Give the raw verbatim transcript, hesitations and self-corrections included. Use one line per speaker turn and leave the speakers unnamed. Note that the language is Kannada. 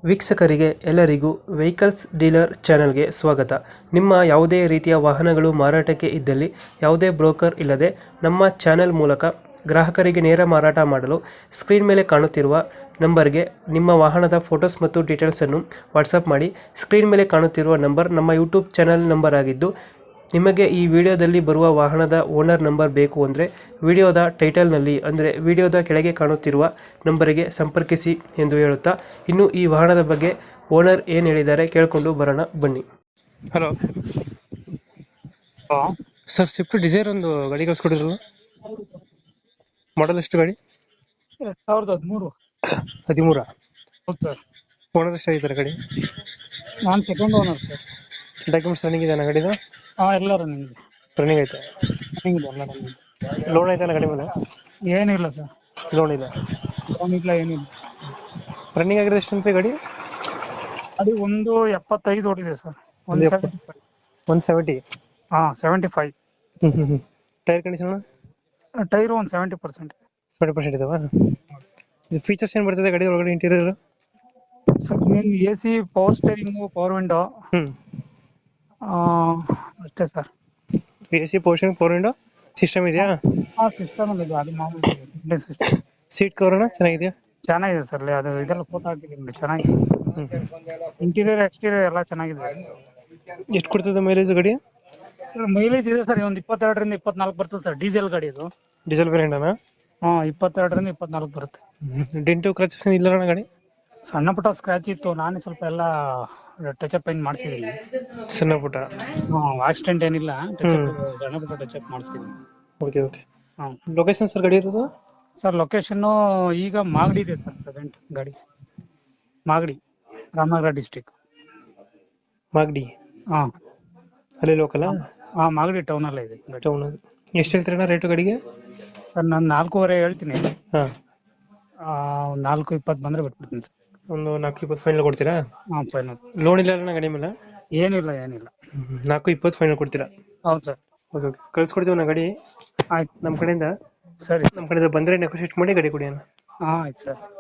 ವೀಕ್ಷಕರಿಗೆ ಎಲ್ಲರಿಗೂ ವೆಹಿಕಲ್ಸ್ ಡೀಲರ್ ಚಾನೆಲ್ಗೆ ಸ್ವಾಗತ. ನಿಮ್ಮ ಯಾವುದೇ ರೀತಿಯ ವಾಹನಗಳು ಮಾರಾಟಕ್ಕೆ ಇದ್ದಲ್ಲಿ ಯಾವುದೇ ಬ್ರೋಕರ್ ಇಲ್ಲದೆ ನಮ್ಮ ಚಾನೆಲ್ ಮೂಲಕ ಗ್ರಾಹಕರಿಗೆ ನೇರ ಮಾರಾಟ ಮಾಡಲು ಸ್ಕ್ರೀನ್ ಮೇಲೆ ಕಾಣುತ್ತಿರುವ ನಂಬರ್ಗೆ ನಿಮ್ಮ ವಾಹನದ ಫೋಟೋಸ್ ಮತ್ತು ಡೀಟೇಲ್ಸನ್ನು ವಾಟ್ಸಪ್ ಮಾಡಿ. ಸ್ಕ್ರೀನ್ ಮೇಲೆ ಕಾಣುತ್ತಿರುವ ನಂಬರ್ ನಮ್ಮ ಯೂಟ್ಯೂಬ್ ಚಾನೆಲ್ ನಂಬರ್ ಆಗಿದ್ದು, ನಿಮಗೆ ಈ ವಿಡಿಯೋದಲ್ಲಿ ಬರುವ ವಾಹನದ ಓನರ್ ನಂಬರ್ ಬೇಕು ಅಂದರೆ ವಿಡಿಯೋದ ಟೈಟಲ್ನಲ್ಲಿ ಅಂದರೆ ವಿಡಿಯೋದ ಕೆಳಗೆ ಕಾಣುತ್ತಿರುವ ನಂಬರಿಗೆ ಸಂಪರ್ಕಿಸಿ ಎಂದು ಹೇಳುತ್ತಾ, ಇನ್ನು ಈ ವಾಹನದ ಬಗ್ಗೆ ಓನರ್ ಏನು ಹೇಳಿದ್ದಾರೆ ಕೇಳಿಕೊಂಡು ಬರೋಣ ಬನ್ನಿ. ಹಲೋ
ಹಾ
ಸರ್, ಸ್ವಿಫ್ಟ್ ಡಿಸೈರ್ ಒಂದು ಗಾಡಿ ಕಳಿಸ್ಕೊಡಿರಲ್ಲ, ಮಾಡಲ್ ಎಷ್ಟು ಗಾಡಿ?
ಎರಡ್ ಸಾವಿರದ ಹದಿಮೂರು.
ಹದಿಮೂರ
ಹೌದು ಸರ್.
ಓನರ್ ಎಷ್ಟಾಗಿದ್ದಾರೆ ಗಾಡಿ?
ನಾನು second owner sir.
Documents running ಇದೆ ಗಾಡಿದು?
ಹಾ ಎಲ್ಲ ರನ್ನಿಂಗ್ ಇದೆ.
ರನ್ನಿಂಗ್ ಐತೆ.
ರನ್ನಿಂಗ್ ಇದೆ ಎಲ್ಲ ರನ್ನಿಂಗ್.
ಲೋನ್ ಐತೆ ಗಾಡಿ ಮೇಲೆ?
ಏನಿಲ್ಲ ಸರ್,
ಲೋನ್ ಇದೆ.
ಲೋನ್ ಇಲ್ಲ ಏನಿಲ್ಲ.
ರನ್ನಿಂಗ್ ಆಗಿರೋದು ಎಷ್ಟು ಅಂತ ಗಾಡಿ?
ಅದು ಒಂದು ಎಪ್ಪತ್ತೈದು ಓಡಿದೆ ಸರ್. ಒನ್
ಒಂದು
ಸೆವೆಂಟಿ ಫೈವ್.
ಒನ್ ಸೆವೆಂಟಿ
ಹಾ ಸೆವೆಂಟಿ ಫೈವ್.
ಹ್ಞೂ ಹ್ಞೂ ಹ್ಞೂ ಟೈರ್ ಕಂಡೀಷನ್?
ಟೈರ್ ಒಂದು ಸೆವೆಂಟಿ ಪರ್ಸೆಂಟ್.
ಸೆವೆಂಟಿ ಪರ್ಸೆಂಟ್ ಇದಾವ. ಇದು ಫೀಚರ್ಸ್ ಏನು ಬರ್ತದೆ ಗಾಡಿ ಒಳಗಡೆ interior?
Sir main A C, power steering, power window,
ಹ್ಞೂ
ಅಷ್ಟೇ sir.
A C, portion, four window system ಇದೆಯಾ?
ಹಾ ಸಿಸ್ಟಮ್ ಅಲ್ಲಿ ಇದೆ, ಅದು ಮಾಮೂಲಿ ಸಿಸ್ಟಮ್.
ಸೀಟ್ ಕವರ್ನ ಚೆನ್ನಾಗಿದೆಯಾ?
ಚೆನ್ನಾಗಿದೆ ಸರ್. ಅದು ಇದೆಲ್ಲ ಫೋಟೋ ಹಾಕಿದ್ದೀನಿ, ಚೆನ್ನಾಗಿದೆ.
ಹ್ಞೂ
ಇಂಟೀರಿಯರ್ ಎಕ್ಸ್ಟೀರಿಯರ್ ಎಲ್ಲ ಚೆನ್ನಾಗಿದೆ.
ಎಷ್ಟು ಕೊಡ್ತದೆ ಮೈಲೇಜ್ ಗಾಡಿ?
ಮೈಲೇಜ್ ಇದೆ ಸರ್, ಒಂದು ಇಪ್ಪತ್ತೆರಡರಿಂದ ಇಪ್ಪತ್ನಾಲ್ಕು ಬರ್ತದೆ ಸರ್. ಡೀಸೆಲ್ ಗಾಡಿ ಇದು.
ಡೀಸೆಲ್ ವೇರಿಯಂಟನಾ?
ಹಾ ಇಪ್ಪತ್ತೆರಡರಿಂದ ಇಪ್ಪತ್ನಾಲ್ಕು ಬರುತ್ತೆ.
ಡೆಂಟು ಕ್ರಚಸ್ ಇಲ್ಲ ಅಣ್ಣ ಗಾಡಿ?
ಸಣ್ಣ ಪುಟ್ಟ ಸ್ಕ್ರಾಚ್ ಇತ್ತು, ನಾನೇ ಸ್ವಲ್ಪ ಎಲ್ಲ ಟಚ್ ಅಪ್ ಏನ್ ಮಾಡಿಸಿದೀನಿ.
ಸಣ್ಣ ಪುಟ್ಟ?
ಹಾ ಆಕ್ಸಿಡೆಂಟ್ ಏನಿಲ್ಲ, ಸಣ್ಣ ಪುಟ್ಟ ಟಚ್ ಅಪ್ ಮಾಡಿಸಿದೀನಿ.
Okay okay.
ಹಾ
ಲೊಕೇಶನ್ ಸರ್ ಗಾಡಿ ಇರೋದು?
ಸರ್ ಲೊಕೇಶನ್ ಈಗ ಮಾಗಡಿ ಇದೆ ಸರ್. ಪ್ರೆಸೆಂಟ್ ಗಾಡಿ ಮಾಗಡಿ, ರಾಮನಗರ ಡಿಸ್ಟಿಕ್.
ಮಾಗಡಿ?
ಹಾ
ಅಲ್ಲಿ ಲೋಕಲ್?
ಹಾ ಮಾಗಡಿ ಟೌನ್ ಅಲ್ಲೇ ಇದೆ ಗಾಡಿ.
ಟೌನ್. ಎಷ್ಟು ಹೇಳ್ತೀರಣ್ಣ ರೇಟು ಗಾಡಿಗೆ?
ಸರ್ ನಾನು ನಾಲ್ಕೂವರೆ ಹೇಳ್ತೀನಿ.
ಹಾಂ,
ಒಂದು ನಾಲ್ಕು ಇಪ್ಪತ್ತು ಬಂದ್ರೆ ಬಿಟ್ಬಿಡ್ತೀನಿ ಸರ್.
ಒಂದು ನಾಲ್ಕು ಇಪ್ಪತ್ತು ಫೈನಲ್ ಕೊಡ್ತೀರಾ?
ಹಾ ಫೈನಲ್.
ಲೋನ್ ಇಲ್ಲ ಅಣ್ಣ ಗಾಡಿ ಮೇಲೆ?
ಏನಿಲ್ಲ ಏನಿಲ್ಲ.
ನಾಲ್ಕು ಇಪ್ಪತ್ತು ಫೈನಲ್ ಕೊಡ್ತೀರಾ?
ಹೌದು ಸರ್.
ಓಕೆ ಓಕೆ, ಕಳ್ಸ್ಕೊಡ್ತೀವಿ ನಾ ಗಾಡಿ
ಆಯ್ತು
ನಮ್ಮ ಕಡೆಯಿಂದ.
ಸರಿ.
ನಮ್ಮ ಕಡೆಯಿಂದ ಬಂದರೆ ನೆಗೋಶಿಯೇಟ್ ಮಾಡಿ ಗಾಡಿ ಕೊಡಿ ಅಣ್ಣ.
ಹಾ ಆಯ್ತು ಸರ್.